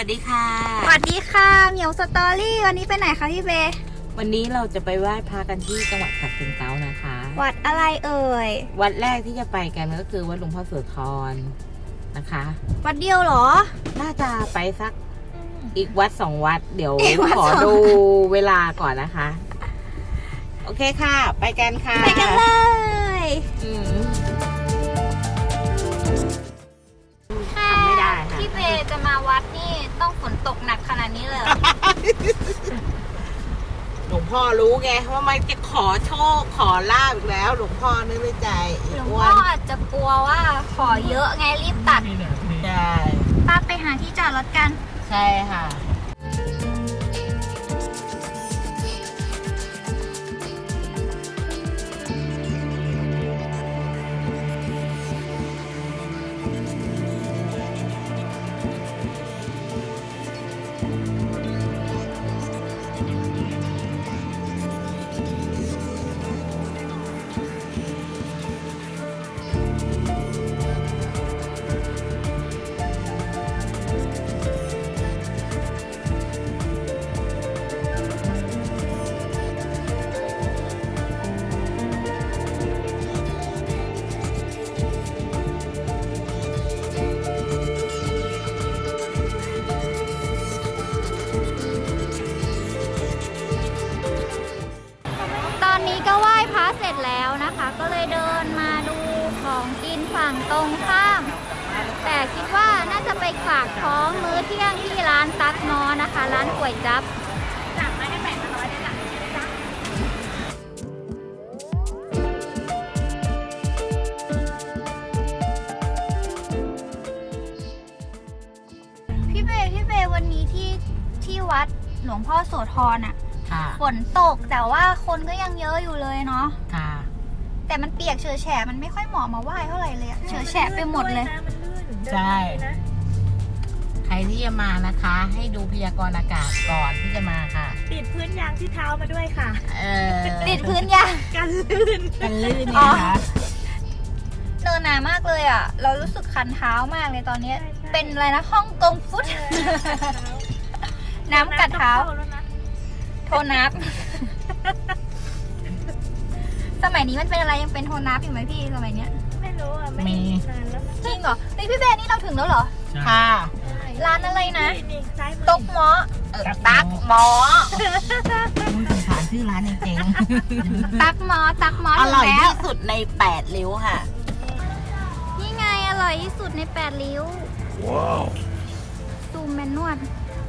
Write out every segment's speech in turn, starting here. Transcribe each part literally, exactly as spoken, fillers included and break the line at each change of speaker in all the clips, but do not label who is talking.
สดีค่ะ
สวัสดีค่ะเหมียวสตอรี่วันนี้ไปไหนคะพี่เบ
วันนี้เราจะไปไหว้พระกันที่จังหวัดฉะเชิงเทรานะคะ
วัดอะไรเอ่ย
วัดแรกที่จะไปกันก็คือวัดหลวงพ่อโสธรนะคะ
วัดเดียวเหรอ
น่าจะไปสักอีกวัดสองวัดเดี๋ยวขอดูเวลาก่อนนะคะโอเคค่ะไปกันค่ะ
ไปกันเลย
ทำไม่ได้ค่ะ
พี่เบจะมาวัดนี่ต้องฝนตกหนักขนาดนี้เลย
หลวงพ่อรู้ไงว่ามันจะขอโชคขอลาบอีกแล้วหลวงพ่อนึกในใจ
หลวงพ่ออาจจะกลัวว่าขอเยอะไงรีบตัด
ใช่
ป้าไปหาที่จอดรถกัน
ใช่ค่ะ
ตอนนี้ก็ไหว้พระเสร็จแล้วนะคะก็เลยเดินมาดูของกินฝั่งตรงข้ามแต่คิดว่าน่าจะไปฝากท้องมื้อเที่ยงที่ร้านตั๊กนอนะคะร้านก๋วยจั๊บสั่งมาให้แปดร้อยได้จ้ะพี่เบพี่เบวันนี้ที่ที่วัดหลวงพ่อโสธรอ่ะฝนตกแต่ว่าคนก็ยังเยอะอยู่เลยเนาะค่ะแต่มันเปียกเฉอะแฉะมันไม่ค่อยเหมาะมาไหว้เท่าไหร่เลยเฉอะแฉะไปหมดเลย
ใช่ใครที่จะมานะคะ ให้ดูพยากรณ์อากาศก่อนที่จะมาค่ะ
ติดพื้นยางที่เท้ามาด้วยค่ะ
เออ
ติดพื้นยาง
กันลื่น
กันลื่นเนี่ยค่ะ
เนินหนามากเลยอ่ะเรารู้สึกคันเท้ามากเลยตอนนี้เป็นอะไรนะฮ่องกงฟุตน้ำกัดเท้าโทนับสมัยนี้มันเป็นอะไรยังเป็นโทนับอยู่ไหมพี่สมัยเนี้ย
ไม่รู้อ่ะไม่มีนานแล้ว
จริงเหรอนี่พี่เบนนี่เราถึงแล้วเหรอ
ค่ะ
ร้านอะไรนะตกหมอ
ตักหมอคุณสงสารชื่อร้านจริง
ๆตักหมอตักหมอ
อร่อยที่สุดในแปดริ้วค่ะ
นี่ไงอร่อยที่สุดในแปดริ้วว้าวซูมแมนนวด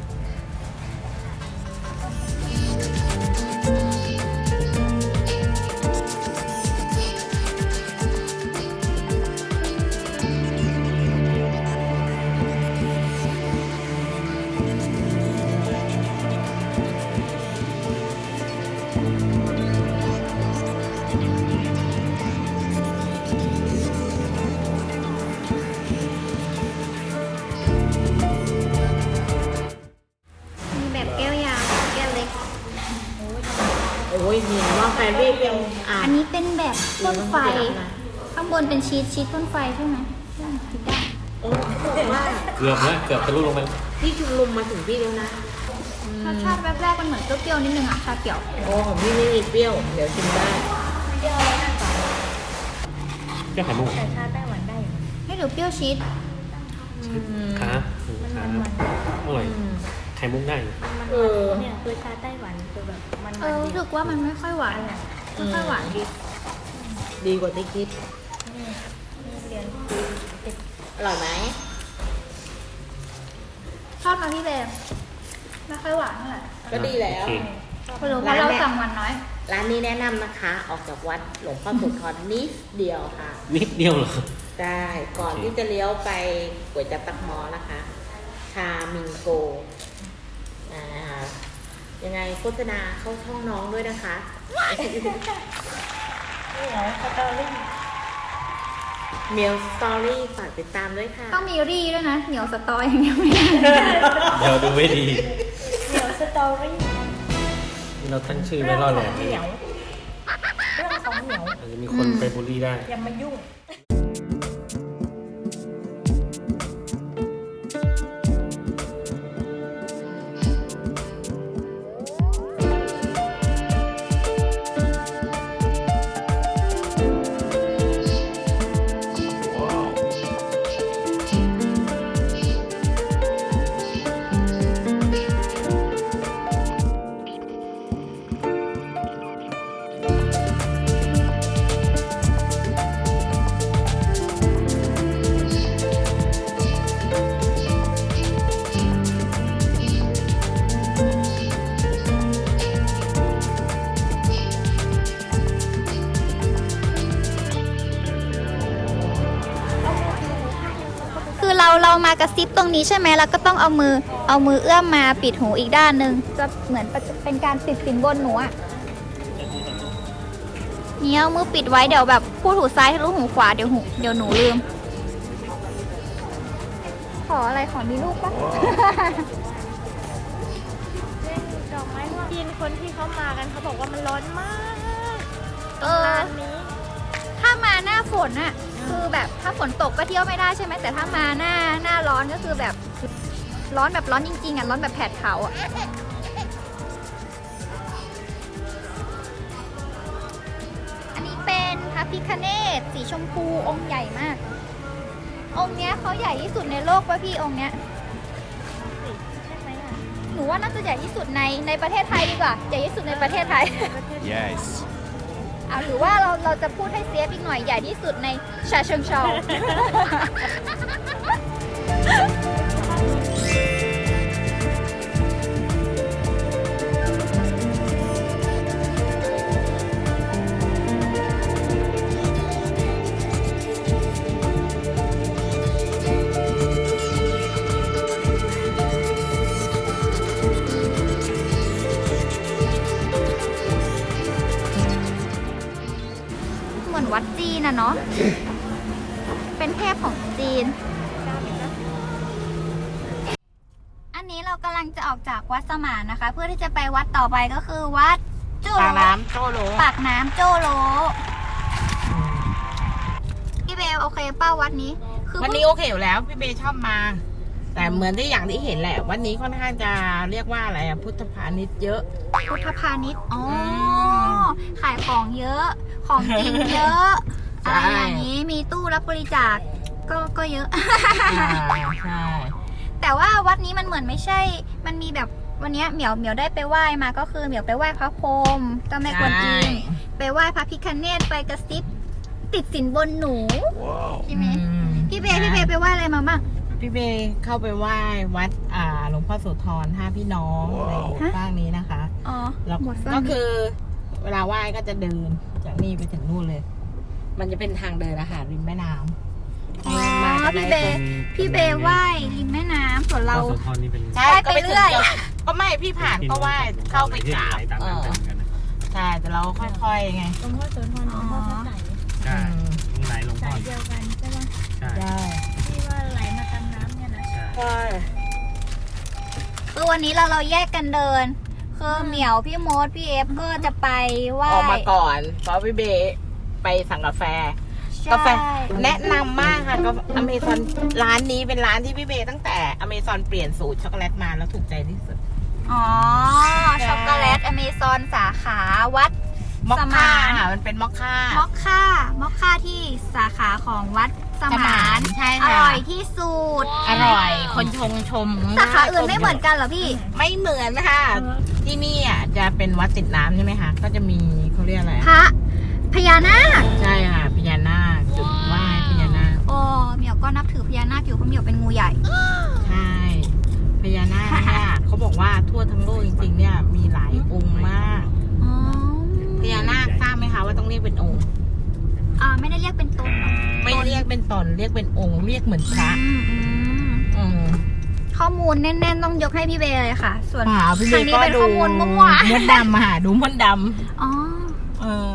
โอ้ยเห็นว่าแฟนรีวิว
อันนี้เป็นแบบต้นไฟข้างบนเป็นชีสชีสต้นไฟใช่ไหมคิดได้
โอ้ว่า
เกือบนะเกือบทะลุลงไป
พี่ชุมลมมาถึงพี่แล้วนะ
รสชาติแรกๆมันเหมือนเปรี้ยวๆนิดนึงอะชาเขียว
โอ้ของพี่ไม่มีเปรี้ยวเดี๋ยวชิมได้
เปรี้ยวนั่นก่อน
เปรี้ยวไข่มุก
แต่ชาไต้หวันได้
ให้หรือเปรี้ยวชีส
ขาขาอร่อยไข่มุกได้
เออเนี่ยคือชาไต้หวันคือแบบมัน
เออรู้สึกว่ามันไม่ค่อยหวานไม่ค่อยหวานดี
ดีกว่าที่คิด
เรียน
อร่อยไหม
ชอบมาพี่เบมไม่ค่อยหวานเท่าไหร่
ก็ดีแล้ว
เพราะเราสั่งหวานน้อย
ร้านนี้แนะนำนะคะออกจากวัดหลวงพ่อโสธรนิดเดียวค่ะ
นิดเดียวเหรอ
ได้ก่อนที่จะเลี้ยวไปก๋วยจั๊บตักหมอนะคะชามิงโกนะคะยังไงโฆษณาเข้าช่องน้องด้วยนะคะ
นี่เหรอสตอรี่
เมียวสตอรี่ฝากติดตามด้วยค่ะ
ต้องมีรี่ด้วยนะเหนียวสตออย่างเดียวไม่ได้
เดี๋ยวดูไม่ดี
เหนียวสตอรี่
นี่เราตั้งชื่อไว้รอดแหละ
เหนียวเรื่องของเหนียว
อาจจะมีคนไปบูลลี่ได้
อย่ามายุ่ง
พมากระซิบตรงนี้ใช่ไหมแล้วก็ต้องเอามือเอามือเอื้อมมาปิดหูอีกด้านหนึ่งจะเหมือนเป็นการติดสินบนหนูอะนี่เอามือปิดไว้เดี๋ยวแบบพูดหูซ้ายทะลุหูขวาเดี๋ยวหูเดี๋ยวหนูลืมขออะไรขอมีลูกปะ
เล่นดอกไม้ว่ากินคนที่เขามากันเขาบอกว่ามันร้อนมาก
เออ
ร้านนี้
ถ้ามาหน้าฝนอะคือแบบถ้าฝนตกก็เที่ยวไม่ได้ใช่ไหมแต่ถ้ามาหน้าหน้าร้อนก็คือแบบร้อนแบบร้อนจริงๆอะร้อนแบบแผดเผาอะอันนี้เป็นพระพิฆเนศสีชมพูองค์ใหญ่มาก องค์เนี้ยเขาใหญ่ที่สุดในโลกป่ะพี่องค์เนี้ย
ใช่ไหมอ่ะ
หนูว่าน่าจะใหญ่ที่สุดในในประเทศไทยดีกว่าใหญ่ที่สุดในประเทศไทย
Yes.
เอาหรือว่าเราเราจะพูดให้เซฟอีกหน่อยใหญ่ที่สุดในชาเชิงเทรา เหมือนวัดจีนอะเนาะ เป็นเทพของจีน อันนี้เรากำลังจะออกจากวัดสมานนะคะ เพื่อที่จะไปวัดต่อไปก็คือวัดโจ
ปากน้ำโจโล
ปากน้ำโจโลพี่เบลโอเคเป้าวัดนี้ คือ
วันนี้โอเคอยู่แล้วพี่เบย์ชอบมา แต่เหมือนที่อย่างที่เห็นแหละ วันนี้ค่อนข้างจะเรียกว่าอะไรอะพุทธพาณิชย์เยอะ
พุทธพาณิชย์อ๋อ
ม
ขายของเยอะ ของกินเยอะ
ใช่
อะไรอย่างนี้ มีตู้รับบริจาค ก็ก็เยอะ
อ่าใช่
แต่ว่าวัดนี้มันเหมือนไม่ใช่ มันมีแบบวันนี้เหมียวเหมียวได้ไปไหว้มาก็คือเหมียวไปไหว้พระพรหมเจ้าแม่กวนอิมไปไหว้พระพิฆเนศไปกระซิบติดสินบนหนูใช่ไหม
อืม
พี่เบย์พี่เบย์ไปไหว้อะไรมาบ้าง
พี่เบย์เข้าไปไหว้วัดอ่าหลวงพ่อโสธรห้าพี่น้องในหมู่บ้านนี้นะคะ
อ๋อ
แล้ว
หมดฟัง
ก็คือ เวลาไหว้ก็จะเดินจากนี่ไปถึงนู่นเลย มันจะเป็นทางเดินอาหารริมแม่น้ำ
อ๋อ
มากัน
พี่
ได้
เบย์พี่เบย์ไหว้ริมแม่น้ำส่วน
เรา
เรา
โสธรนี่เป็น
ใช่
ไหว้
ก็ไป
ไปเรื่
ถึง
อย
ก็ไม่พี่ผ่านก็ไหว้เข้าไปกราบ
ตาม
เอ
นั้น
อ
กันนะ
ใช่แต่เราค่อยๆไง
หลวงพ่อโสธรหลวงพ่อพระไตร
ใช่ตรงไหนหลวงพ่
สา
อย
เดียวกันใช่ปะ
ใช่
ใช่
ที่ว่าไหลมาตามน้ำเนี่ยนะ
ใช่
ใช่
คือวันนี้เราเราแยกกันเดิน คือเหมียวพี่มดพี่เอฟก็จะไปไหว้
ออกมาก่อนเพราะพี่เบย์ไปสั่งกาแฟ
ใช่
กาแฟแนะนำมากค่ะก็อเมซอนร้านนี้เป็นร้านที่พี่เบย์ตั้งแต่อเมซอนเปลี่ยนสูตรช็อกโกแลตมาแล้วถูกใจที่สุด
อ๋อ ช็อกโกแลตอเมซอนสาขาวัด
มอค
ส
ค่าม
าน
ค่ะมันเป็นมอคค่าม
อคค่ามอคค่าที่สาขาของวัดสมาน
ใช่
อ
ค่ะ
ร่อยที่สุด
อร่อย คนชงชม
สาขาอื่นไม่เหมือนกันเหรอพี่
ไม่เหมือนนะคะที่นี่อ่ะจะเป็นวัดติดน้ำใช่ไหมคะก็จะมีเขาเรียกอะไร
พระพญานาค
ใช่ค่ะพญานาคจุดไหว้พญานาค
โอ้เหมียวก็นับถือพญานาคอยู่เพราะเหมียวเป็นงูใหญ่
ใช่พญานาคเนี่ยเขาบอกว่าทั่วทั้งโลกจริงๆเนี่ยมีหลายองค์มาก
อ๋อ
พญานาคทราบไหมคะว่าต้องเรียกเป็นองค์
อ่าไม่ได้เรียกเป็นตนหรอ
ไม่เรียกเป็นตนเรียกเป็นองค์เรียกเหมือนพระ
อืมอืม
อืม
ข้อมูลแน่นๆต้องยกให้พี่เบย์เลยค่ะ ส่วน
ป่าพี่
ท
เบ
าง
ย์
นี้
ก็
เป็น
ดู
ข้อมูลมั่ว
มดดำมาหาดูมดด
ๆอ๋อ
ำเออ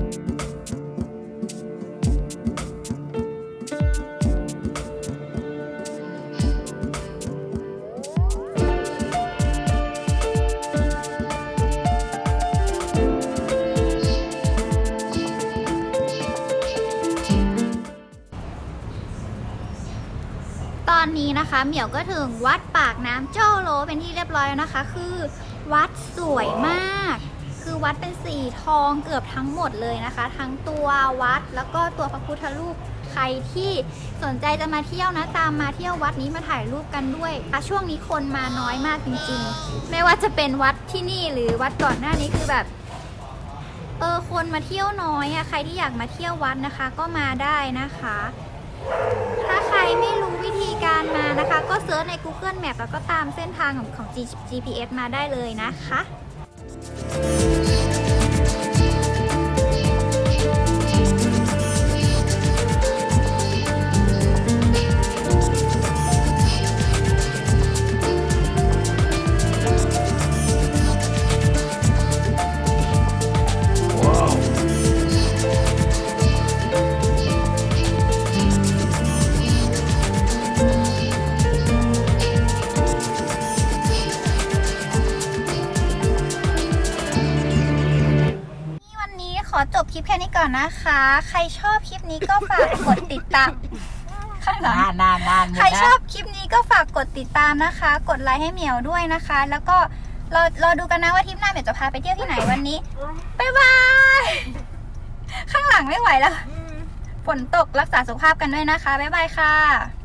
ตอนนี้นะคะเหมียวก็ถึงวัดปากน้ำโจ้โลเป็นที่เรียบร้อยแล้วนะคะ คือวัดสวยมาก คือวัดเป็นสีทองเกือบทั้งหมดเลยนะคะ ทั้งตัววัดแล้วก็ตัวพระพุทธรูปใครที่สนใจจะมาเที่ยวนะตามมาเที่ยววัดนี้มาถ่ายรูปกันด้วยอ่ะช่วงนี้คนมาน้อยมากจริงๆ ไม่ว่าจะเป็นวัดที่นี่หรือวัดก่อนหน้านี้คือแบบ เออคนมาเที่ยวน้อยอะใครที่อยากมาเที่ยววัดนะคะ ก็มาได้นะคะ ถ้าใครไม่รู้วิธีการมานะคะ ก็เซิร์ชใน Google Map แล้วก็ตามเส้นทางของของ จี พี เอส มาได้เลยนะคะก่อนนะคะ ใครชอบคลิปนี้ก็ฝากกดติดตามข้างหลัง
นานนานนาน
ใครชอบคลิปนี้ก็ฝากกดติดตามนะคะ กดไลค์ให้เหมียวด้วยนะคะ แล้วก็รอรอดูกันนะว่าทริปหน้าเหมียวจะพาไปเที่ยวที่ไหนวันนี้บ๊ายบายข้างหลังไม่ไหวแล้วฝนตกรักษาสุขภาพกันด้วยนะคะบ๊ายบายค่ะ